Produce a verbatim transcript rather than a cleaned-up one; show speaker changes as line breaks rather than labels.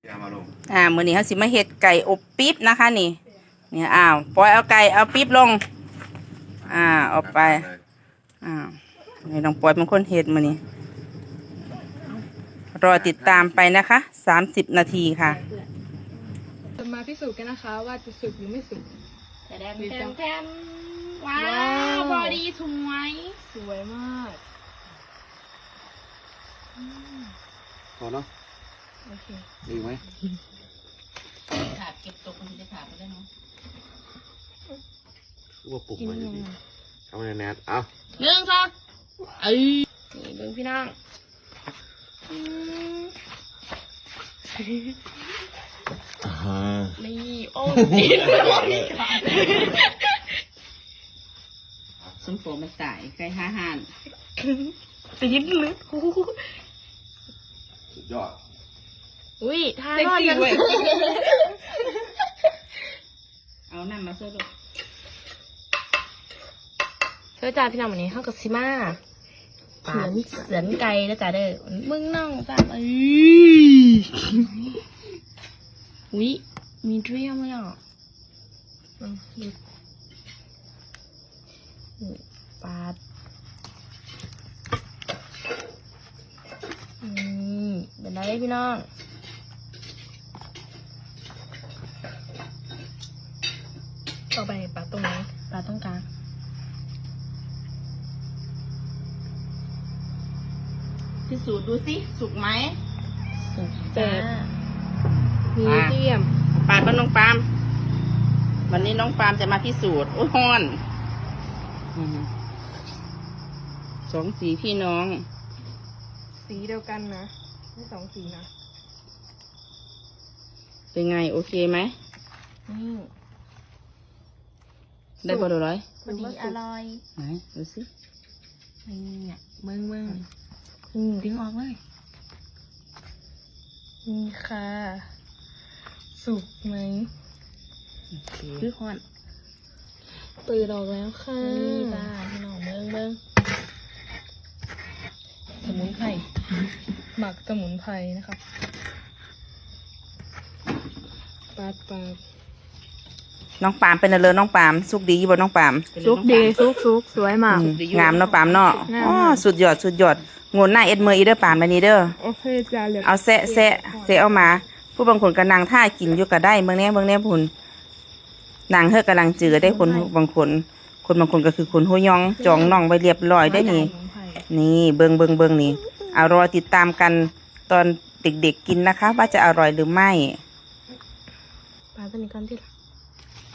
อ่ามื้อนี้เฮาสิมาเฮ็ดไก่อบปี๊บนะคะนี่นี่อ้าวปล่อยเอาไก่เอาปี๊บลงอ่าเอาไปอ่านี่น้องปอยเป็นคนเฮ็ดมื้อนี้รอติดตามไปนะคะสามสิบนาทีค่ะ
จะมาพิสูจน์กันนะคะว่าจะสุกหรือไม่สุก
แถมแถมแถมว้าวบอดี้สวย
สวยมาก
พอเนาะ
โอเค
ดีไหม
ถาดเก็บตกมันจะถาดไปได้เนาะ
ว่าปลุกมาดีทำอะไรแนทเอา
หนึ่งสองเอ้ยนี่เบิ่งพี่น้องนี่โอ้ยส้มโฟมันตายไก่ห้าห่านตีนลึก
สุดยอด
อุ้ยทานอนยังเอาน้ำมาเสิร์ฟเสิร์ฟจ้าพี่น้องวันนี้ข้าวกับซิมาเสือนเสือนไก่แล้วจ้าเด้อมึงน้องจ้าเอ้ยอุ้ยมีเรียมเลยอ่ะปาดนี่เป็นไรพี่น้องต่อไปปาดตรงไหนปาดตรงกลางพิสูจน์ดูสิสุกไหมสุกจ้า
มีเดียม
ปาดบ้านน้องปามวันนี้น้องปามจะมาพิสูจน์โอ้ยฮอนสองสีพี่น้อง
สีเดียวกันนะไม่สองสีนะ
เป็นไงโอเคไหม
นี่
ได้พอดูร้อย
พอดีอร่อย
ไหนดูสิ
นี่เบิ้งเบิ้งอืมดึงออกเลย
นี่ค่ะสุกไหม
คือฮอน
ตื่นออกแล้วค่ะ
นี่จ้าพี่น้องเบิ้งเบิ้ง
สมุนไพรหมักสมุนไพรนะคะปาดปาด
น้องปามเป็นอะไรน้องปามสุกดีบ่น้องปาม
สุกดีสุกสุกสวยมาก
งามเนาะปามเนาะอ๋อสุดยอดสุดยอดงนหน้าเอ็ดเมอร์อีเด้อปามแบบนี้เด้อ
โอเคจ้าเหลือ
เอาแซะแซะแซะเอามาผู้บางคนก็นั่งท่ากินอยู่ก็ได้เมืองนี้เมืองนี้พุ่นนางเฮอกำลังจือได้คนบางคนคนบางคนก็คือคนหูยองจองน่องไปเรียบร้อยได้นี่นี่เบิงเบิงเบิงนี่เอารอติดตามกันตอนเด็กๆกินนะคะว่าจะอร่อยหรือไม่
ปลาตัวนี้ก่อนที่ละ